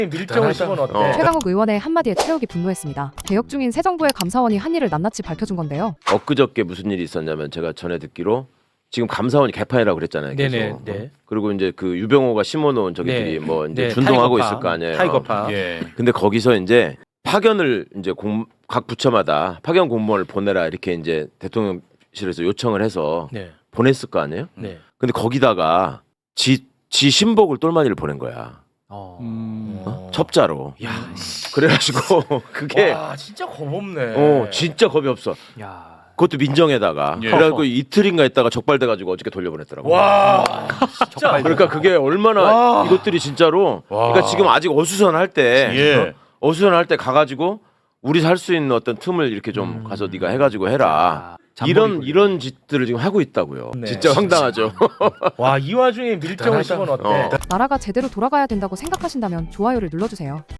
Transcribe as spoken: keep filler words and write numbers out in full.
밀정을 씹은 어때? 어. 최강욱 의원의 한마디에 최욱이 분노했습니다. 개혁 중인 새 정부의 감사원이 한 일을 낱낱이 밝혀준 건데요. 엊그저께 무슨 일이 있었냐면 제가 전에 듣기로 지금 감사원이 개판이라고 그랬잖아요. 계속. 네네, 네. 그리고 이제 그 유병호가 심어놓은 저기들이 네. 뭐 이제 네, 준동하고 타이거파. 있을 거 아니에요. 타이거파. 예. 근데 거기서 이제 파견을 이제 공, 각 부처마다 파견 공무원을 보내라 이렇게 이제 대통령실에서 요청을 해서 네. 보냈을 거 아니에요. 네. 근데 거기다가 지, 지 신복을 똘마니를 보낸 거야. 어. 음. 어? 첩자로. 야, 그래가지고 그게 와, 진짜 겁 없네. 어 진짜 겁이 없어. 야. 그것도 민정에다가. 예. 그래가지고 이틀인가 있다가 적발돼가지고 어저께 돌려보냈더라고. 와. 진짜. 그러니까 그게 얼마나 와. 이것들이 진짜로. 와. 그러니까 지금 아직 어수선할 때. 예. 어? 어수선할 때 가가지고 우리 살 수 있는 어떤 틈을 이렇게 좀 음. 가서 네가 해가지고 해라. 자, 이런 잔머리 이런 짓들을 지금 하고 있다고요. 네. 진짜 황당하죠. 와, 이 와중에 밀정을 씹은 어때? 어. 나라가 제대로 돌아가야 된다고 생각하신다면 좋아요를 눌러주세요.